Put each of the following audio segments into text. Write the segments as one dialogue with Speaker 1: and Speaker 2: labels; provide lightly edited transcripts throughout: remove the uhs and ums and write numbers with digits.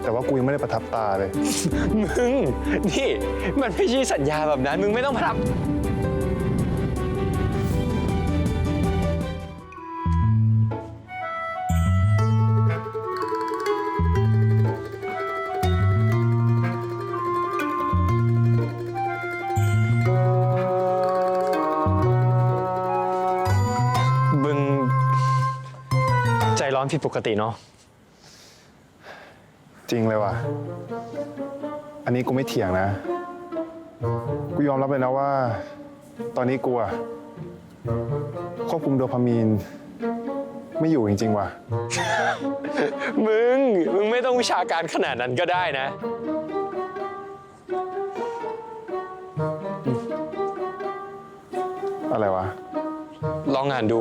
Speaker 1: แต่ว่ากูยังไม่ได้ประทับตาเลย
Speaker 2: มึงนี่มันไม่ใช่สัญญาแบบนั้นมึงไม่ต้องมาทำมึงใจร้อนผิดปกติเนาะ
Speaker 1: จริงเลยว่ะ อันนี้กูไม่เถียงนะ กูยอมรับเลยนะว่า ตอนนี้กูอะควบคุมโดพามีนไม่อยู่จริงๆว่ะ
Speaker 2: มึงไม่ต้องวิชาการขนาดนั้นก็ได้นะ
Speaker 1: อะไรวะ
Speaker 2: ลองอ่านดู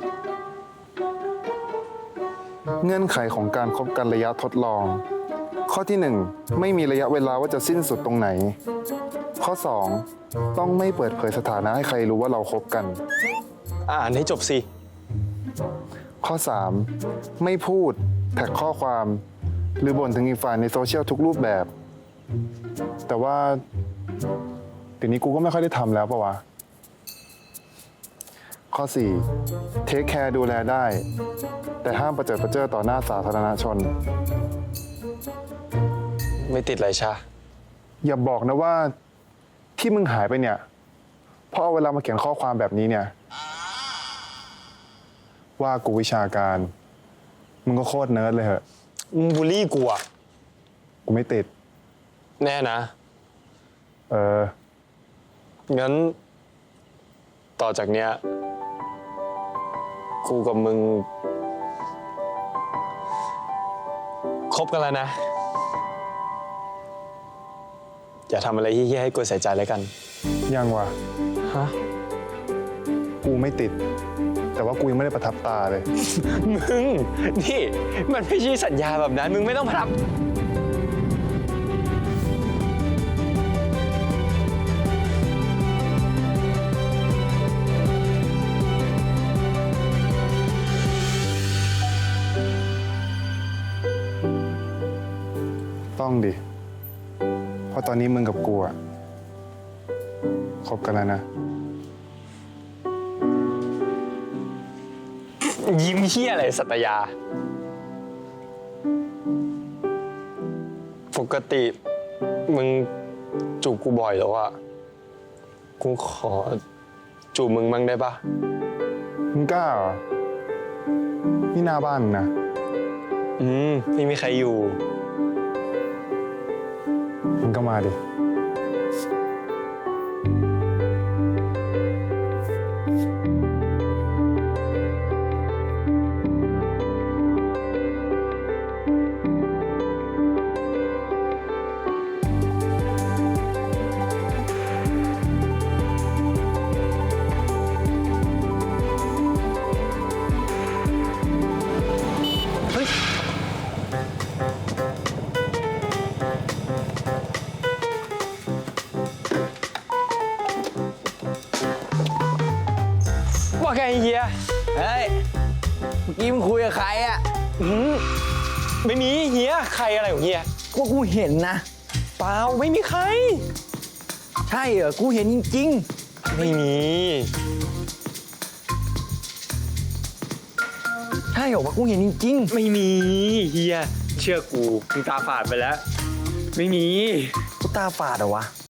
Speaker 1: เงื่อนไขของการคบกันระยะทดลอง ข้อที่ 1 ไม่มีระยะเวลาว่าจะสิ้นสุดตรงไหน ข้อ 2 ต้องไม่เปิดเผยสถานะให้ใครรู้ว่าเราคบกัน
Speaker 2: อ่านให้จบสิ
Speaker 1: ข้อ 3 ไม่พูดแท็กข้อความ หรือบ่นถึงอีกฝ่ายในโซเชียลทุกรูปแบบ แต่ว่าเดี๋ยวนี้กูก็ไม่ค่อยได้ทำแล้วปะวะ ข้อ 4 เทคแคร์ดูแลได้ แต่ห้ามประเจิดประเจ้อต่อหน้าสาธารณชน
Speaker 2: ไม่ติดไรชา
Speaker 1: อย่าบอกนะว่าที่มึงหายไปเนี่ยเพราะเอาเวลามาเขียนข้อความแบบนี้เนี่ย ว่ากูวิชาการ มึงก็โคตรเนิร์ดเลยเหอะ
Speaker 2: มึงบูลลี่กูอะ
Speaker 1: กูไม่ติด
Speaker 2: แน่นะ งั้น ต่อจากเนี้ย กูกับมึงคบกันแล้วนะ อย่าทำอะไรเฮี้ยๆให้กูเสียใจแล้วกัน
Speaker 1: ยังวะ
Speaker 2: ฮะ
Speaker 1: กูไม่ติด แต่ว่ากูยังไม่ได้ประทับตาเลย
Speaker 2: มึงนี่มันไม่ใช่สัญญาแบบนั้นมึงไม่ต้องมาทำ
Speaker 1: ต้องดิ เพราะตอนนี้มึงกับกูอะคบกันแล้วนะ
Speaker 2: ยิ้มเฮี้ยอะไรสัตยา ปกติมึงจูบกูบ่อยแล้วอะกูขอจูบมึงบ้างได้ปะ
Speaker 1: มึงกล้าเหรอ นี่หน้าบ้านมึงนะ
Speaker 2: ไม่มีใครอยู่
Speaker 1: มึงก็มาดิ
Speaker 2: ว่าไงเฮีย
Speaker 3: เฮ้ย เมื่อกี้มึงคุยกับใครอะ
Speaker 2: ไม่มีเฮียใครอะไรของเฮีย
Speaker 3: ก็กูเห็นนะ
Speaker 2: เปล่าไม่มีใคร
Speaker 3: ใช่เหรอ กูเห็นจริง
Speaker 2: ไม่มี
Speaker 3: ๆ ใช่เหรอวะกูเห็นจริง
Speaker 2: ไม่มีเฮียเชื่อกูมึงตาฝาดไปแล้ว ไม่มี
Speaker 3: ๆ กูตาฝาดเหรอวะ